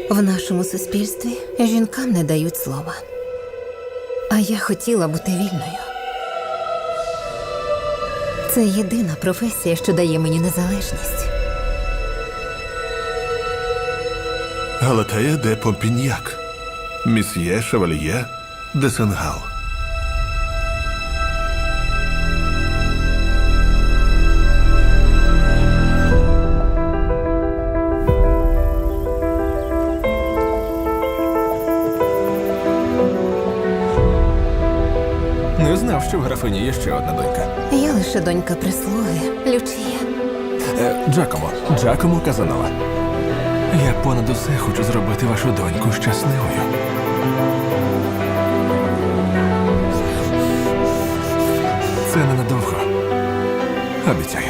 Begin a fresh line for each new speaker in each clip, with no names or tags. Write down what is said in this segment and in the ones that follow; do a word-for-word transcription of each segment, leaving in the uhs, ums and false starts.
В нашому суспільстві жінкам не дають слова. А я хотіла бути вільною. Це єдина професія, що дає мені незалежність.
Галатея де Помпіньяк, Місьє Шевальє де Сенгал.
Не знав, що в графині є ще одна донька.
Я лише донька прислуги, Лючія.
Е, Джакомо, Джакомо Казанова. Я понад усе хочу зробити вашу доньку щасливою. Це ненадовго. Обіцяю.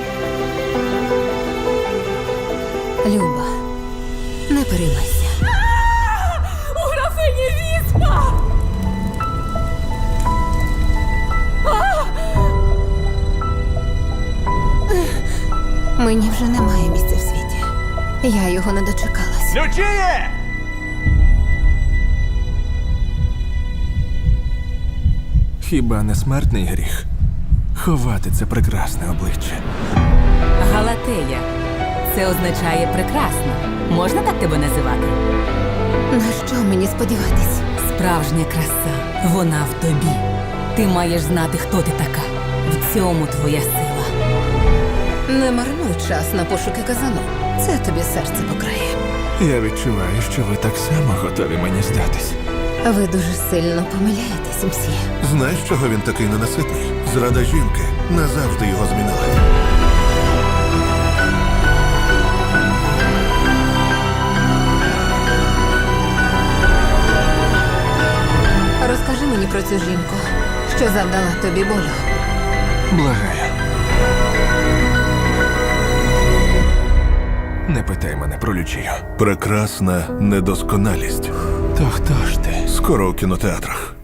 Люба, не переймайся.
У графині віспа!
Мені вже немає місця в світі. Я його не дочекалась.
Лючіє! Хіба не смертний гріх ховати це прекрасне обличчя?
Галатея. Це означає прекрасно. Можна так тебе називати?
На що мені сподіватись?
Справжня краса. Вона в тобі. Ти маєш знати, хто ти така. В цьому твоя сила.
Не марнуй час на пошуки казану. Це тобі серце покрає.
Я відчуваю, що ви так само готові мені здатись.
Ви дуже сильно помиляєтесь, мсьє.
Знаєш, чого він такий ненаситний? Зрада жінки назавжди його змінила.
Розкажи мені про цю жінку, що завдала тобі болю.
Благаю. Не питай мене про Лючію.
Прекрасна недосконалість.
То хто ж ти?
Скоро у кінотеатрах.